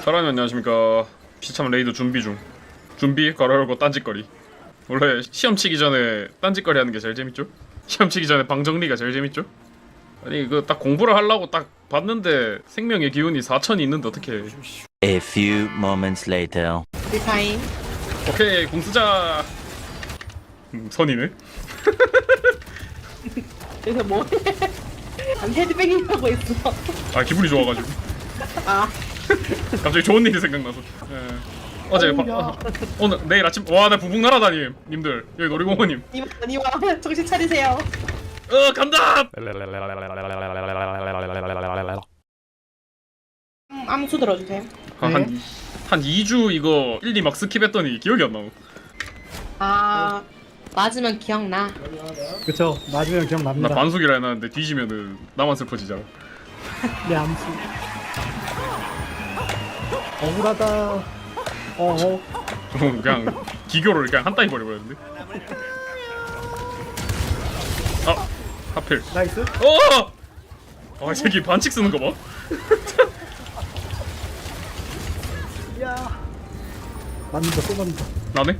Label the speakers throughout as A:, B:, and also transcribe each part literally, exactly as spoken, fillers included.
A: 사랑님 안녕하십니까. 비참 레이드 준비 중. 준비 괄호 열고 딴짓거리. 원래 시험 치기 전에 딴짓거리 하는 게 제일 재밌죠? 시험 치기 전에 방 정리가 제일 재밌죠? 아니 이거 딱 공부를 하려고 딱 봤는데 생명의 기운이 사천이 있는데 어떻게
B: A few moments later.
C: 리타임.
A: 오케이 공 쓰자. 음, 선이네.
C: 그래서 뭐해? 아니 헤드뱅잉 하고 있어.
A: 아 기분이 좋아가지고
C: 아
A: 갑자기 좋은 일이 생각나서. 예. 어제 바, 어, 오늘 내일 아침 와 나 부북 날아다님 님들 여기 놀이공원님.
C: 니와 니와 정신 차리세요.
A: 어 간다.
C: 음, 암수 들어주세요.
A: 한 한 이 주 이거 일, 이 막 스킵했더니 기억이 안 나고.
C: 아 맞으면 기억나.
D: 그쵸. 맞으면
A: 나
D: 기억납니다.
A: 반숙이라 해놨는데 뒤지면은 나만 슬퍼지잖아.
D: 내 암수. 억울하다. 어어.
A: 좀 그냥 기교를 그냥 한 따위 버려버렸는데. 아 하필.
D: 나이스.
A: 어! 아 새끼 반칙 쓰는 거 봐.
D: 야. 맞는다 또 맞는다.
A: 나네.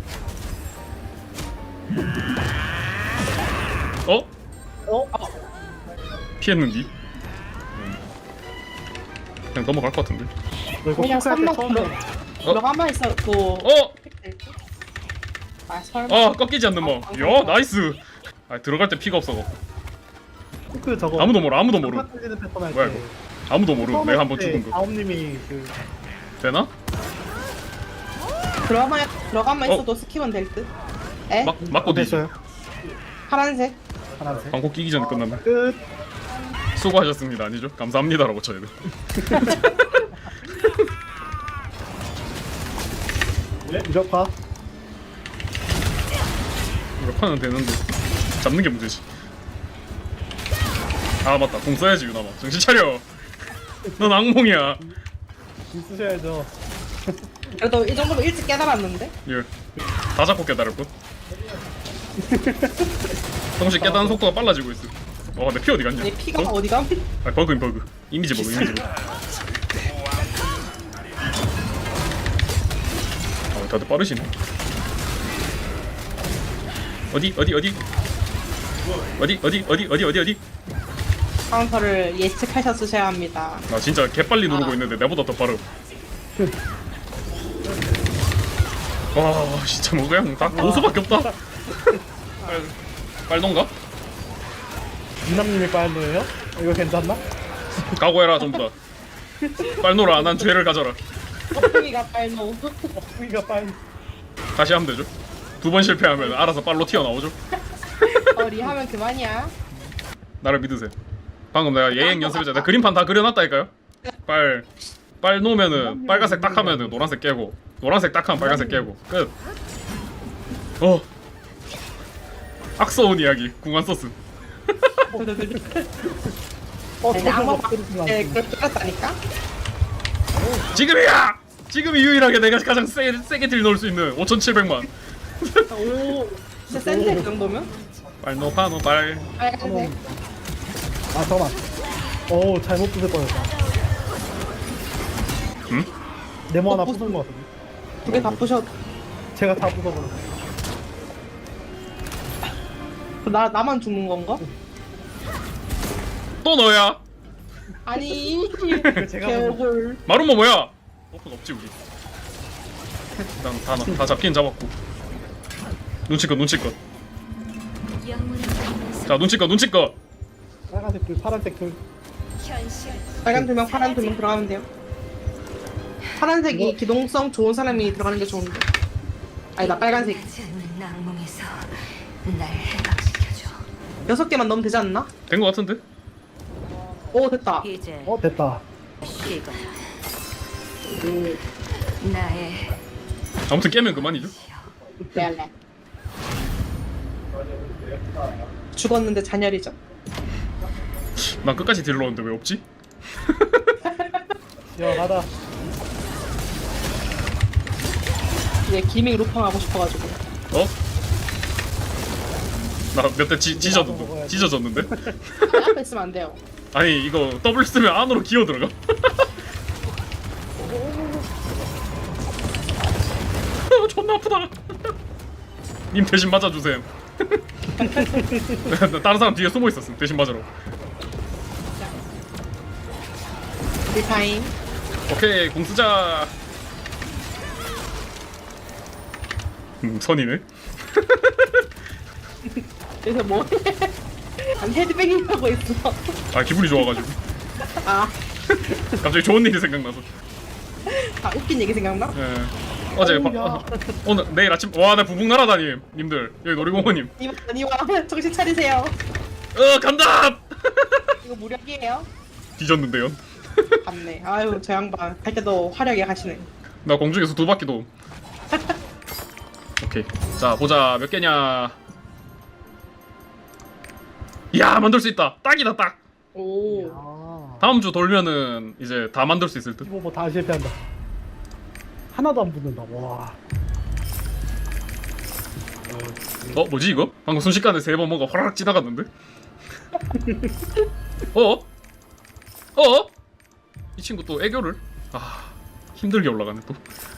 A: 어?
D: 어?
A: 피했는디? 음. 그냥 넘어갈 것 같은데.
D: 너 이거
C: 그냥
D: 포크할 때
C: 삼만
D: 처음
C: 들어.
D: 봐.
C: 들어가만 있어 또.
A: 어!
C: 아 설마.
A: 아 꺾이지 않는 뭐. 야 나이스. 아 들어갈 때 피가 없어.
D: 포크 저거.
A: 아무도 모르 아무도 모르.
D: 한판 틀리는 패턴 할
A: 뭐야
D: 때.
A: 이거. 아무도 모르. 내가 한번
D: 처음 할 때
A: 죽은 거.
D: 아홉님이 그
A: 되나?
C: 들어가만 들어가만
A: 어?
C: 있어도 스킵은 될 듯. 에?
A: 막 맞고 뒤지.
D: 됐어요.
C: 파란색.
D: 하나씩.
A: 방콕 끼기 전에 끝났네.
D: 끝.
A: 수고하셨습니다. 아니죠? 감사합니다라고 쳐야 돼.
D: 무력화.
A: 이거 파는 되는데 잡는 게 문제지. 아 맞다. 공 써야지 유나마. 정신 차려. 넌 악몽이야.
D: 있으셔야죠.
C: 그래도 이 정도면 일찍 깨달았는데.
A: 예. 다 잡고 깨달을 것. 동시에 깨닫는 속도가 빨라지고 있어. 어, 내 피 어디 갔냐?
C: 아니 피가
A: 어?
C: 어? 디 감?
A: 아, 버그인 버그. 이미지 버그, 이미지 버그. 아, 다들 빠르시네. 어디, 어디, 어디? 어디, 어디, 어디, 어디, 어디, 어디?
C: 카운터를 예측하셨으셔야 합니다.
A: 나 진짜 개빨리 누르고 있는데 내보다 더 빠르. 와, 진짜 뭐 그냥 다 고수밖에 없다. 빨, 빨동가?
D: 이남님이 빨노예요? 이거 괜찮나?
A: 각오해라 전부 다. 빨노라 난 죄를 가져라.
C: 덕분이가 빨노.
D: 우리가 빨.
A: 다시 하면 되죠. 두 번 실패하면 알아서 빨로 튀어나오죠.
C: 어리 하면 그만이야.
A: 나를 믿으세요. 방금 내가 예행 연습했잖아. 내가 그림판 다 그려놨다니까요. 빨, 빨 놓으면은 빨간색 딱 하면은 노란색 깨고, 노란색 딱 하면 빨간색 깨고 끝. 어. 악서운 이야기 궁한 소스.
D: 어,
C: 아니,
D: 저거
C: 악마
D: 막 그러시면
C: 네,
D: 안 돼.
C: 그렇게 알았다니까.
A: 지금이야. 지금이 유일하게 내가 가장 세, 세게 딜 넣을 수 있는 오천칠백만.
C: 오, 진짜 센데 그 정도면?
A: 빨노 파노 빨.
C: 빨간색.
D: 아 잠깐만. 오 잘못 부술 뻔했다.
A: 응?
D: 네모 하나
C: 어,
D: 부순 것 같은데.
C: 두 개 다 부셔.
D: 제가 다 부숴버렸어.
C: 나 나만 죽는 건가?
A: 또 너야.
C: 아니.
D: 제가
C: 개억울.
A: 마루모 뭐야? 오픈 없지 우리. 일단 다, 나- 다 잡긴 잡았고. 눈치껏 눈치껏. 자 눈치껏 눈치껏.
D: 빨간색 둘, 파란색 둘.
C: 빨간 두 명, 파란 두 명 들어가면 돼요. 파란색이
D: 이거-
C: 기동성 좋은 사람이 들어가는 게 좋은데. 아니 나 빨간색.
E: 악몽에서 날 해방시켜줘.
C: 여섯 개만 넣으면 되지 않나?
A: 된 거 같은데?
C: 오 됐다.
E: 이제
D: 어 됐다.
E: 이거야. 나의
A: 아무튼 깨면 그만이죠.
C: 레알레. 죽었는데 잔열이죠.
A: 난 끝까지 딜러 오는데 왜 없지?
D: 시원하다.
C: 이제 기믹 루팡 하고 싶어가지고.
A: 어? 나 몇 대 찢어졌는데? 찢어졌는데?
C: 아니, 앞에 있으면 안 돼요.
A: 아니 이거 W 쓰면 안으로 기어 들어가. 존나 아프다. 님 대신 맞아주세요. 다른 사람 뒤에 숨어 있었음. 대신 맞으러.
C: 우리 타임.
A: 오케이 공 쓰자. 음 선이네.
C: 그래서 뭐? 아니 헤드뱅잉 하고 있어.
A: 아 기분이 좋아가지고.
C: 아,
A: 갑자기 좋은 일이 생각나서.
C: 아 웃긴 얘기 생각나?
A: 예. 어제 바, 어, 오늘 내일 아침 와 나 부북 날아다님 님들 여기 놀이공원님.
C: 니와 니와 정신 차리세요.
A: 어 간다.
C: 이거 무력이에요?
A: 뒤졌는데요.
C: 맞네. 아유 저 양반 갈 때도 화려하게 가시네.
A: 나 공중에서 두 바퀴 도. 오케이. 자 보자 몇 개냐. 이야 만들 수 있다. 딱이다 딱.
C: 오.
D: 아
A: 다음 주 돌면은 이제 다 만들 수 있을 듯.
D: 이거 뭐다 실패한다. 하나도 안 붙는다. 와.
A: 어 뭐지 이거? 방금 순식간에 세 번 뭔가 화라락 지나갔는데? 어? 어? 이 친구 또 애교를? 아 힘들게 올라가네 또.